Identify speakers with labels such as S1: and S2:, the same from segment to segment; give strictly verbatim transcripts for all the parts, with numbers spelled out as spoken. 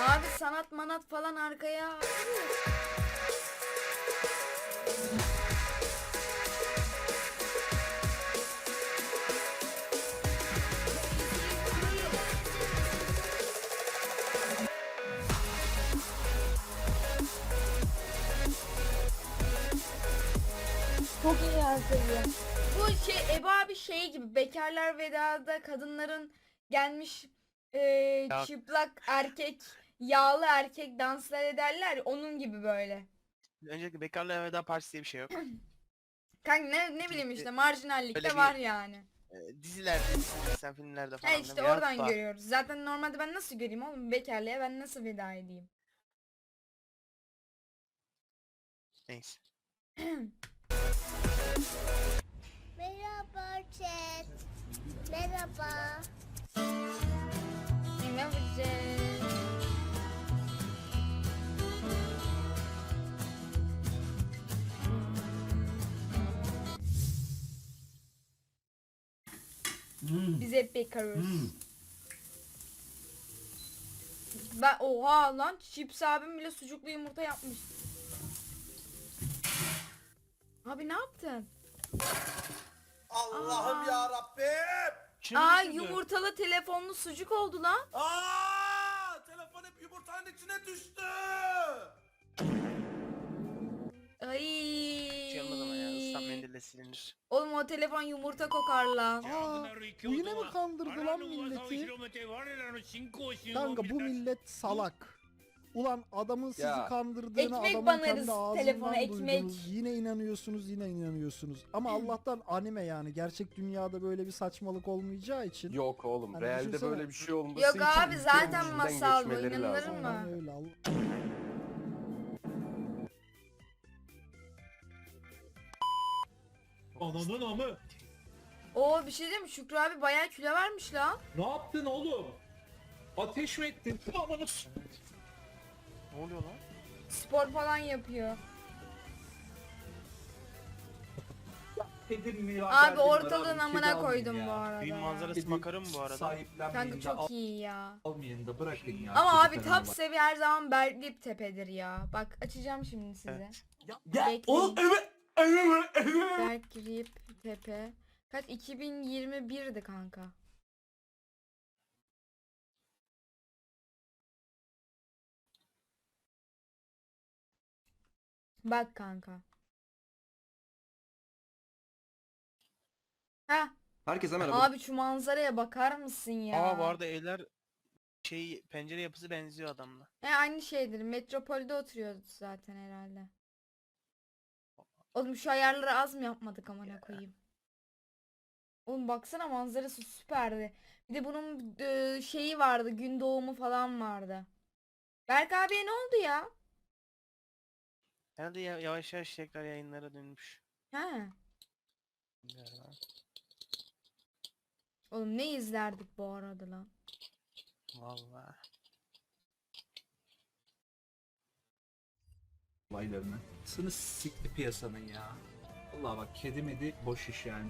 S1: Abi sanat manat falan arkaya. Çok iyi yansıyor. Bu şey Eba abi şey gibi Bekarlar Veda'da kadınların gelmiş e,
S2: Ya.
S1: çıplak erkek yağlı erkek danslar ederler ya, onun gibi böyle.
S2: Öncelikle Bekarlığa Veda Partisi diye bir şey yok.
S1: Kanka ne, ne bileyim işte marjinallikte
S2: Öyle bir-
S1: var yani.
S2: Ee, dizilerde, dizilerde, filmlerde
S1: Ha
S2: falan.
S1: işte
S2: değil mi?
S1: oradan
S2: Yapma.
S1: görüyoruz. Zaten normalde ben nasıl göreyim oğlum bekarlığa ben nasıl veda edeyim?
S2: Neyse.
S3: Merhaba chat. Merhaba.
S1: Ne yapacağız? Biz hep bekarız. Ben oha lan Chips abim bile sucuklu yumurta yapmış. Abi ne yaptın?
S4: Allah'ım
S1: Aa.
S4: ya Rabbim.
S2: Kim
S1: Aa
S2: düşürdü?
S1: yumurtalı telefonlu sucuk oldu lan.
S4: Aa! Telefon hep yumurtanın içine düştü.
S1: Ay.
S2: Şey olmaz ama ya, ıslak mendille silinir.
S1: Oğlum o telefon yumurta kokar lan.
S5: Aa, bu yine mi kandırdı lan milleti? Kanka bu millet salak. Ulan adamın sizi
S4: Ya.
S5: kandırdığını
S1: Ekmek
S5: adamın
S1: banarız
S5: kendi ağzından
S1: telefona, ekmek.
S5: duydunuz. Yine inanıyorsunuz yine inanıyorsunuz. Ama Allah'tan anime yani. Gerçek dünyada böyle bir saçmalık olmayacağı için.
S6: Yok oğlum,
S5: Hani
S6: realde
S5: düşünsene.
S6: böyle bir şey olması
S1: Yok
S6: için
S1: abi,
S6: ülkenin
S1: zaten
S6: içinden
S1: masal bu,
S6: geçmeleri
S1: inanılır
S6: lazım.
S1: mı?
S5: Aynen öyle. Allah-
S7: Ananın amı.
S1: Oo bir şey diyeyim mi? Şükrü abi bayağı kilo vermiş lan.
S7: Ne yaptın oğlum? Ateş mi ettin? Ananı s-
S2: Ne oluyor lan?
S1: Spor falan yapıyor.
S7: Dedim ya,
S1: Abi
S7: derdim var
S1: ortalığın
S7: abi,
S1: amına
S7: kedi almayın
S1: koydum
S7: ya.
S1: bu arada.
S2: Düğün
S1: ya.
S2: manzarası
S7: Kedi
S2: makarım bu arada.
S7: Sahiplenmeyin
S1: Kanka
S7: de
S1: çok
S7: al-
S1: iyi ya.
S7: almayın da bırakın ya.
S1: Ama abi
S7: çocuklarına
S1: top
S7: bak.
S1: seviye her zaman Berklip Tepe'dir ya. Bak açacağım şimdi size.
S2: Evet.
S7: Ya,
S1: Bekleyin.
S7: oğlum evet. Evet. Evet.
S1: Berklip Tepe. Kaç? iki bin yirmi birdi kanka. Bak kanka. Ha,
S8: Herkese merhaba.
S1: abi şu manzaraya bakar mısın ya?
S2: Aa bu arada evler şey pencere yapısı benziyor adamla.
S1: E aynı şeydir. Metropolde oturuyordu zaten herhalde. Oğlum şu ayarları az mı yapmadık amına koyayım? Oğlum baksana manzarası süperdi. Bir de bunun e, şeyi vardı. Gün doğumu falan vardı. Berk abiye ne oldu ya?
S2: Herhalde ya- yavaş yavaş tekrar yayınlara dönmüş.
S1: He.
S2: Bilmiyorum ha.
S1: Oğlum ne izlerdik bu arada lan?
S2: Vallahi.
S7: Olaylarını. Sını sikti piyasanın ya. Vallahi bak kedi medi boş iş yani.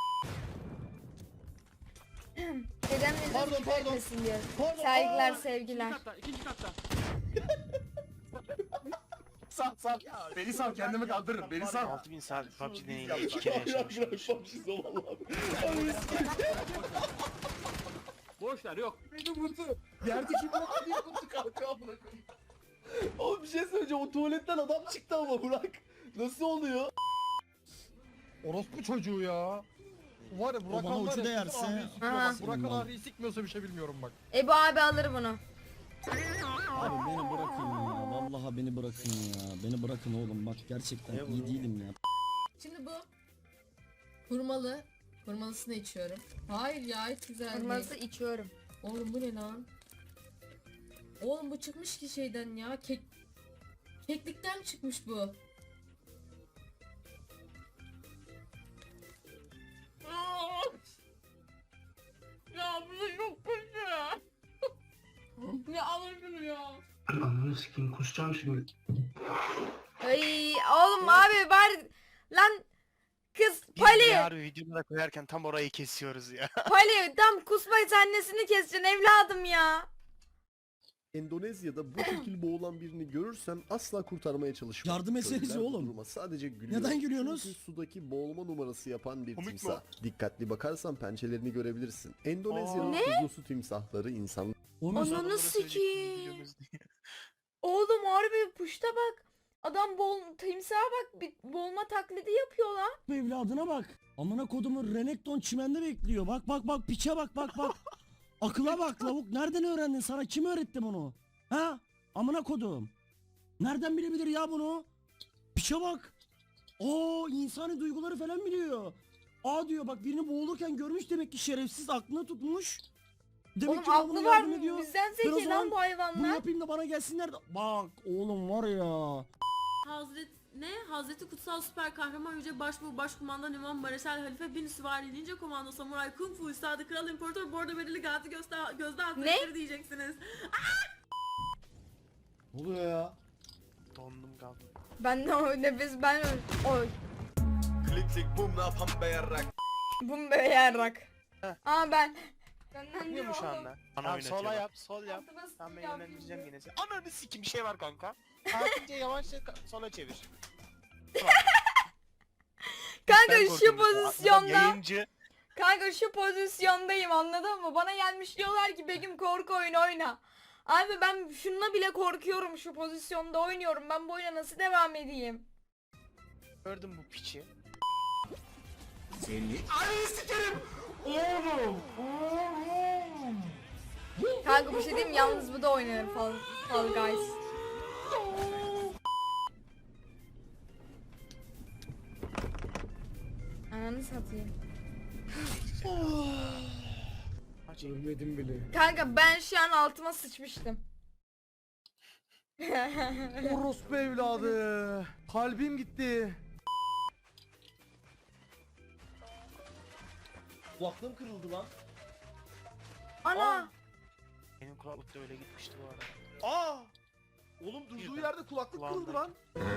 S1: Dedem de
S5: Pardon, pardon.
S1: etmesin diyor.
S5: Pardon,
S1: Saygılar
S5: aa,
S1: sevgiler.
S6: Sal sal. Beni sal, kendimi kaldırırım. Beni sal.
S2: altı bin saat P U B G deneyiyle iki kere yaşamışımdır.
S7: Boşlar yok.
S4: Beni vurdu.
S5: Yerdeki bu
S4: Niye vurdu kanka amına koyayım? Oğlum bir şey söyleyeceğim. O tuvaletten adam çıktı ama Burak. Nasıl oluyor?
S9: Orospu çocuğu ya. Var ya Burak
S8: bana
S9: Han var
S8: uçu
S9: ya,
S8: değerse-
S9: bütün ahriyi sikiyor
S1: Aha.
S9: bak. Burak Han ahriyi sikmiyorsa bir şey bilmiyorum bak.
S1: Ebu abi alır bunu.
S8: Abi beni bırakın ya. Vallahi beni bırakın ya. Beni bırakın oğlum. Bak gerçekten
S2: Ne bu?
S8: iyi değilim ya.
S10: Şimdi bu hurmalı. Hurmalısını içiyorum. Hayır ya hiç güzel
S1: Kırmızı
S10: değil.
S1: içiyorum.
S10: Oğlum bu ne lan? Oğlum bu çıkmış ki şeyden ya. Kek keklikten çıkmış bu. Ya bu da çok kötü. Ya alır şunu ya.
S4: Ananı sikeyim kusacağım şimdi.
S1: Ay oğlum abi bari lan kız
S2: Biz
S1: Pali
S2: de harbi videoda koyarken tam orayı kesiyoruz ya.
S1: Pali tam kusma annesini keseceksin evladım ya.
S4: Endonezya'da bu şekil boğulan birini görürsen asla kurtarmaya çalışma.
S8: Yardım etsenize
S4: Köylüler bu
S8: oğlum.
S4: duruma sadece gülüyor.
S8: Neden gülüyorsunuz?
S4: Çünkü sudaki boğulma numarası yapan bir
S2: Komik mi
S4: timsah. Dikkatli bakarsan pençelerini görebilirsin. Endonezya'nın
S1: Ne?
S4: tuzlu su timsahları insan
S8: Oğlum
S1: Ananı
S2: Adamlara söyleyecektim,
S1: sikeyim.
S2: biliyorsunuz diye.
S1: Oğlum harbi puşta bak. Adam bol timsaha bak bir boğulma taklidi yapıyor lan.
S8: evladına bak. Amına kodumun Renekton çimende bekliyor. Bak bak bak piçe bak bak bak. Akıla bak lavuk. Nereden öğrendin? Sana kim öğretti bunu? Ha? Amına kodum. Nereden bilebilir ya bunu? Piçe bak. Oo insani duyguları falan biliyor. Aa diyor bak birini boğulurken görmüş demek ki şerefsiz aklına tutmuş. Demek
S1: Oğlum
S8: ki bana
S1: aklı
S8: bunu
S1: var
S8: yardım
S1: mı?
S8: ediyor.
S1: Bizden
S8: Ben o
S1: zeki lan
S8: zaman
S1: bu
S8: Bunu
S1: hayvanlar.
S8: yapayım da bana gelsinler de. Bak oğlum var ya.
S10: Hazret ne? Hazreti Kutsal Süper Kahraman Yüce Başbuğ Başkumandan İmam Mareşal Halife Bin Süvari Ninja Komando Samuray Kung Fu Üstadı Kral İmparator Bordo Berili Gazi Gözde, Gözde Hazretleri diyeceksiniz.
S4: Ne oluyor ya?
S2: Dondum kaldım.
S1: Ben de o nefes ben oy.
S6: Klik klik bum ne yapan be yarrak.
S1: Bum be yarrak.
S2: Heh.
S1: Aa ben. Benden
S2: Bilmiyor mu şu
S1: oğlum.
S2: anda?
S7: Bana
S2: Tamam,
S7: oynatıyor
S2: sola
S7: bak.
S2: yap, sol yap.
S1: Altıma
S2: Tamam ben
S1: sıçacağım
S2: yönlendireceğim
S1: şimdi.
S2: yine seni. Ananı sikim bir şey var kanka. Sakince yavaşça ka- sola çevir.
S1: Kanka
S2: Ben
S1: şu
S2: korkuyorum. Adam
S1: pozisyonda.
S2: Yayıncı.
S1: Kanka şu pozisyondayım anladın mı? Bana gelmiş diyorlar ki Begüm korku oyunu oyna. Abi ben şununla bile korkuyorum, şu pozisyonda oynuyorum. Ben bu oyuna nasıl devam edeyim?
S2: Gördüm bu piçi.
S6: Seni. Ay sikerim. Oğlum. Oğlum.
S1: Kanka bir şey diyeyim mi? Yalnız bu da oynanır Fall, Fall Guys. Ananı satayım.
S9: Ölmedim bile.
S1: Kanka ben şu an altıma sıçmıştım.
S9: Orospu evladı. Kalbim gitti.
S4: Kulaklığım kırıldı lan.
S1: Ana!
S2: Benim kulaklık da öyle gitmişti bu arada.
S4: Aa! Oğlum durduğu yerde kulaklık kırıldı lan.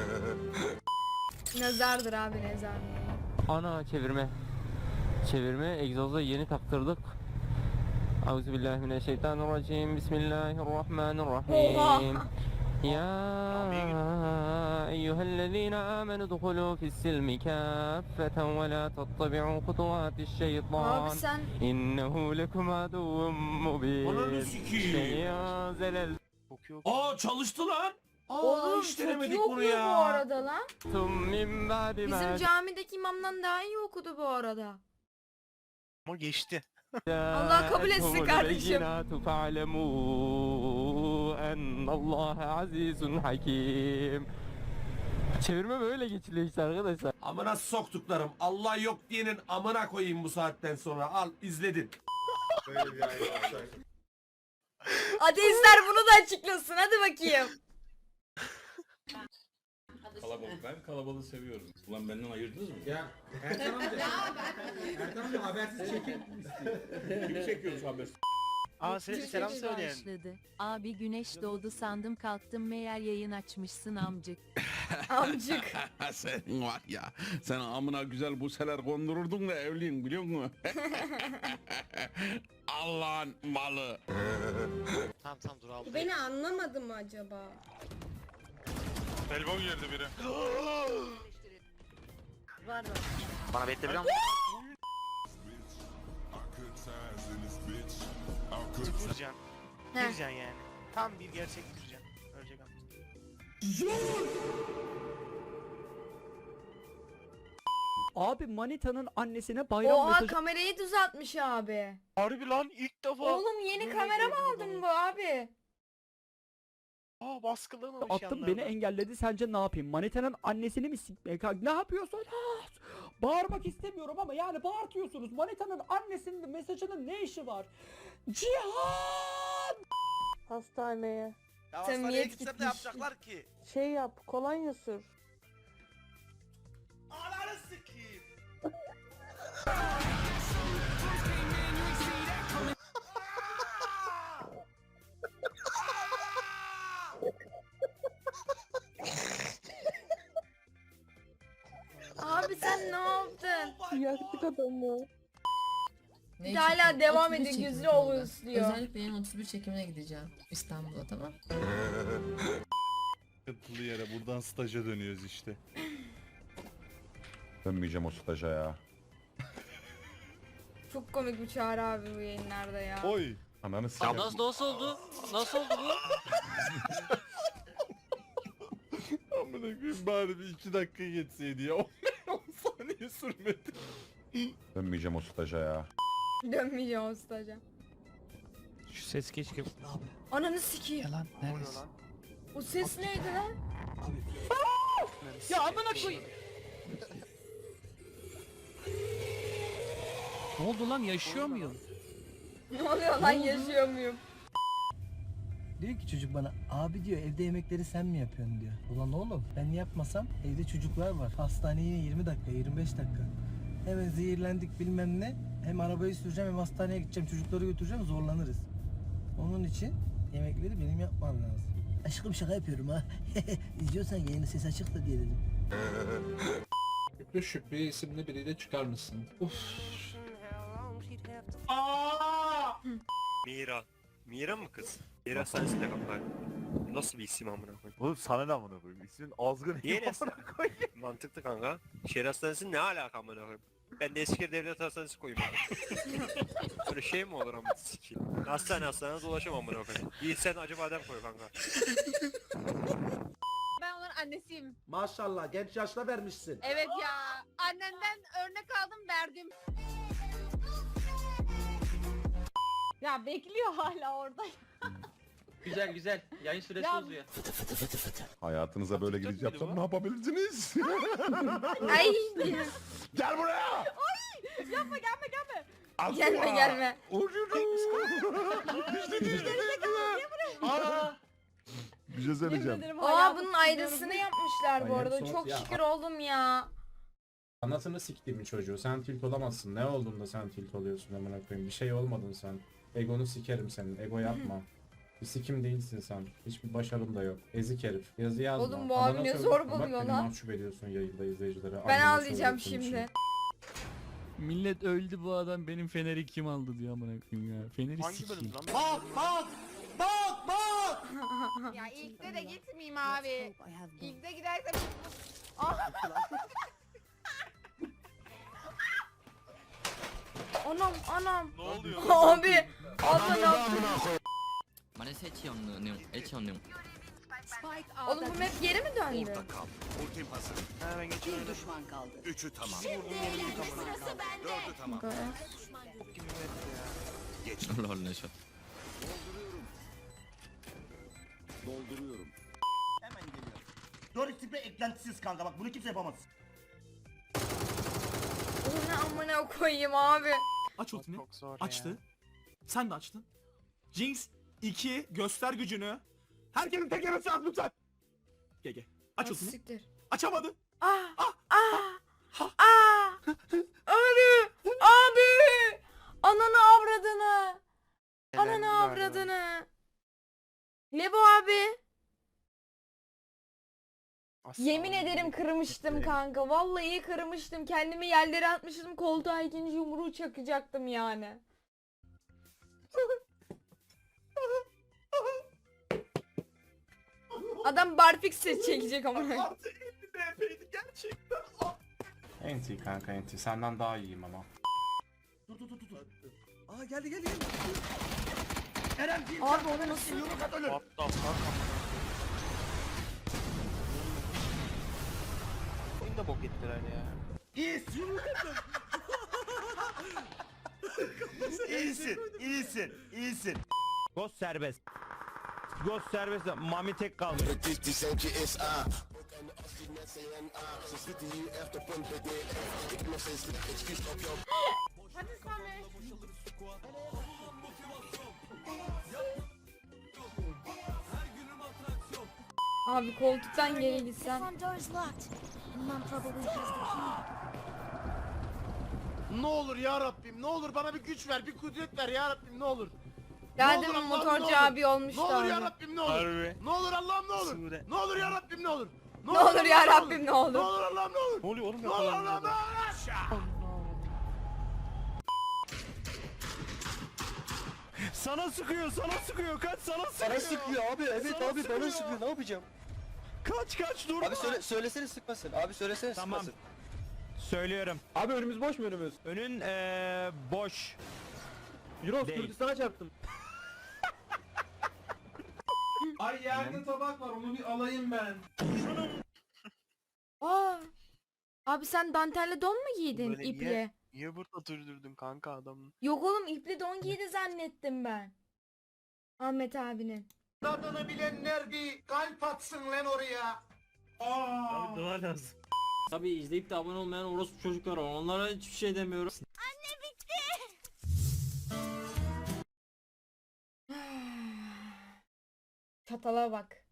S1: Nazardır abi, nazar.
S11: Ana çevirme. Çevirme egzoza yeni taktırdık. Euzubillahimineşşeytanirracim. Bismillahirrahmanirrahim. Ya eyyühellezine amenu dukhulu fissilmi kâffeten ve la tattabi'u hutuvatişşeytan.
S1: Abi sen
S11: İnnehu lekum aduvun mubin.
S7: Ananı sikeyim.
S11: Şeyya zelel.
S2: Kokuyor.
S7: Aa çalıştı lan. Aa
S1: oğlum
S7: hiç
S1: çok
S7: denemedik
S1: iyi
S7: bunu
S1: okuyor
S7: ya.
S1: bu arada lan.
S11: Tum min ba'di
S1: Bizim
S11: ma
S1: camideki imamdan daha iyi okudu bu arada.
S2: Ama geçti.
S1: Allah kabul etsin
S11: جاءتهم
S1: kardeşim.
S11: البينات فاعلموا أن الله عزيز حكيم. Çevirme böyle geçiliyor işte arkadaşlar.
S6: Amına soktuklarım. Allah yok diyenin amına koyayım bu saatten sonra. Al izledin. Böyle bir ayet olacak.
S1: Ateistler bunu da açıklasın, hadi bakayım.
S7: Kalabalık, ben kalabalığı seviyorum. Ulan benden ayırdınız mı?
S9: Ya Erkan amca. Erkan amca habersiz çekim istiyor.
S7: Kimi çekiyoruz habersiz?
S2: Aa selam, selam söyleyen.
S12: Abi güneş doğdu sandım kalktım meğer yayın açmışsın amcık.
S1: Amcık.
S6: Sen var ya. Sen amına güzel buseler kondururdun da evliyim biliyor musun? Allah'ın malı.
S2: Tamam tamam dur abi.
S3: Beni anlamadı mı acaba?
S6: Elbow girdi biri.
S3: Var var.
S2: Bana bekle biliyor musun? Vuracaksın.
S1: Heh.
S2: Gireceksin yani. Tam bir gerçek gireceksin. Ölecek ama.
S9: Abi Manita'nın annesine bayram
S1: Oha
S9: mesajı
S1: kamerayı düzeltmiş abi.
S2: Harbi lan ilk defa.
S1: Oğlum yeni
S2: Böyle
S1: kamera mı
S2: gördüm
S1: aldın
S2: adamı.
S1: bu abi?
S2: Aa baskılamamış
S9: attım beni
S2: yanlardan.
S9: engelledi sence ne yapayım? Manita'nın annesini mi sikmeye kalk? Ne yapıyorsun? Ah! Bağırmak istemiyorum ama yani bağırtıyorsunuz. Manita'nın annesinin mesajının ne işi var? Cihan!
S3: Hastaneye.
S2: Ya
S1: Samimiyet gitmiş.
S2: ki?
S3: Şey yap, kolonya sür.
S2: Ananı sikeyim.
S1: Abi sen ne yaptın?
S3: Yaktık adamı.
S1: Bir de hala devam ediyor gözü oluyor.
S10: Özellikle yeni otuz bir çekimine gideceğim İstanbul'a, tamam?
S4: Yatılı yere buradan staja dönüyoruz işte.
S6: Dönmeyeceğim o staja ya.
S1: Çok komik bir Çağrı abi bu yayınlarda ya.
S4: Oy.
S6: Ananı s**eyim.
S11: nasıl oldu? Nasıl oldu bu?
S4: Amına koyayım bari bir iki dakika geçseydi ya. on saniye sürmedi.
S6: Dönmeyeceğim o staja ya.
S1: Dönmeyeceğim o staja.
S2: Şu ses keşke.
S1: Ananı sikeyim.
S7: Yalan neredesin?
S1: O ses neydi lan?
S7: Ya amına koyayım. Ne oldu lan, yaşıyor muyum?
S1: Ne oluyor lan, yaşıyor muyum?
S8: Diyor ki çocuk bana, abi diyor evde yemekleri sen mi yapıyorsun diyor. Ulan oğlum ben yapmasam evde çocuklar var. Hastaneye yine yirmi dakika yirmi beş dakika. Hemen zehirlendik bilmem ne. Hem arabayı süreceğim hem hastaneye gideceğim, çocukları götüreceğim, zorlanırız. Onun için yemekleri benim yapmam lazım. Aşkım şaka yapıyorum ha. İzliyorsan yayını ses açık da diye dedim.
S7: Şükrü Şükrü isimli biriyle çıkar mısın? Uf.
S11: Mira. Mira mı kız? Mira sensin de kaplar. Nasıl bir isim amına koyayım?
S4: Oğlum sana ne amına koyayım? İsmin azgın.
S11: Niye nesin? Mantıklı kanka. Şehir hastanesi ne alaka amına koyayım? Ben de Eskişehir Devlet Hastanesi koyayım. Böyle şey mi olur amına sikeyim? Hastane hastane dolaşamam amına koyayım. Yiğit sen acı badem koy kanka.
S3: Ben onların annesiyim.
S8: Maşallah genç yaşta vermişsin.
S3: Evet ya. Annenden örnek aldım, verdim. Ya bekliyor hala orada.
S11: Güzel güzel. Yayın süresi
S3: Ya-
S11: uzuyor.
S6: Hayatınıza böyle giriş yapsam ne yapabilirsiniz?
S1: Ay.
S6: Gel buraya!
S3: Yapma, gelme gelme.
S1: Gelme gelme.
S6: Bir şey söyleyeceğim.
S3: Ederim,
S1: Aa
S3: hayatım
S1: bunun
S3: siliyorum.
S1: ayrısını yapmışlar bu
S7: Ay,
S1: arada.
S7: en son-
S1: Çok
S7: ya-
S1: şükür oldum ya.
S7: Anasını siktiğimin çocuğu. Sen tilt olamazsın. Ne olduğunda sen tilt oluyorsun amına koyayım. Bir şey olmadın sen. Egonu sikerim senin. Ego yapma. Bir sikim değilsin sen. Hiçbir başarın da yok. Ezik herif. Yazı yazma.
S1: Oğlum bu
S7: Anana
S1: abi ne
S7: söyle.
S1: zor
S7: Bak
S1: buluyor
S7: beni
S1: lan.
S7: mahcup ediyorsun yayında izleyicilere.
S1: Ben
S7: Anneme
S1: ağlayacağım
S7: söylüyorsun
S1: şimdi.
S7: Millet öldü, bu adam benim feneri kim aldı diyor amına koyayım ya. Feneri
S2: Hangi bölüm lan?
S8: Bak bak! Bak bak!
S3: Ya ilkte de gitmeyeyim abi. İlkte gidersem...
S1: Anam anam.
S2: Ne oluyor?
S1: Abi. Abla ne yaptın? Oğlum bu map geri mi döndü?
S2: Hemen geçiyorum.
S6: Üçü tamam.
S2: Bok gibi bir map ya.
S8: Dolduruyorum. Hemen geliyorum. Dört tipe eklentisiz kanka, bak bunu kimse yapamaz.
S1: Oğlum ne amına koyayım abi.
S7: Aç
S2: Çok, çok zor ya.
S7: Sen de açtın. Jinx iki göster gücünü. Herkesin tekeresi at lütfen. Gel gel. Aç
S1: Ah,
S7: ultini.
S1: siktir.
S7: Açamadı.
S1: Ah ah ah. Abi abi. Ananı avradını.
S2: Elendi
S1: Ananı
S2: galiba.
S1: avradını. Ne bu abi?
S2: Aslan
S1: Yemin
S2: gibi.
S1: ederim kırmıştım kanka. Vallahi kırmıştım. Kendimi yerlere atmıştım. Koltuğa ikinci yumruğu çakacaktım yani. Adam barfix set çekecek ama.
S7: Gerçekten. Enti kanka enti. Senden daha iyiyim ama.
S8: Dur dur dur dur. Aa geldi geldi geldi. Eren bir
S1: Abi onu nasıl?
S8: yumruk at ölür.
S2: What the fuck amına. Oyunu da bok ettiler ya.
S8: İyisin. iyisin, iyisin, iyisin.
S11: Ghost serbest. Ghost serbest. Mami tek kalmış.
S3: Hadi Samet.
S1: Abi koltuktan geri gitsem.
S4: Ne olur ya Rabbim, ne olur bana bir güç ver, bir kudret ver ya Rabbim, ne olur.
S1: Daha
S4: olur
S1: demin
S4: Allah'ım,
S1: motorcu
S4: ne olur.
S1: abi
S4: Ne
S1: olmuştu
S4: olur ya
S1: abi.
S4: Rabbim, ne olur.
S2: Harbi.
S4: Ne olur Allah'ım, ne olur.
S2: Sure.
S4: Ne olur ya Rabbim, ne olur.
S1: Ne olur ya
S4: Allah'ım,
S1: Rabbim ne olur.
S4: Ne olur Allah'ım, ne olur.
S2: Ne oluyor oğlum?
S4: Ne olur Allah'ım, ne olur.
S9: Sana sıkıyor, sana sıkıyor. Kaç, sana sıkıyor.
S4: Bana sıkıyor abi. Evet
S9: Sana
S4: abi
S9: sıkıyor.
S4: bana sıkıyor. Ne yapacağım?
S9: Kaç kaç dur.
S4: Abi söyle söylesene sıkmasın. Abi söylesene
S9: Tamam.
S4: sıkmasın.
S9: Söylüyorum.
S5: Abi önümüz boş mu önümüz?
S9: Önün eee boş.
S5: Euros
S9: Değil.
S5: Kürdistan'a çarptım.
S6: Ay yerde tabak var onu bir alayım ben.
S1: Aa. Abi sen dantelli don mu giydin
S2: Böyle
S1: iple?
S2: niye- Niye burada durdurdun kanka adamı?
S1: Yok oğlum ipli don giydi zannettim ben. Ahmet abinin.
S4: Tadını bilenler bir kalp atsın lan oraya.
S6: Aa.
S9: Tabii izleyip de abone olmayan orospu çocuklar var. Onlara hiçbir şey demiyorum.
S1: Çatala bak.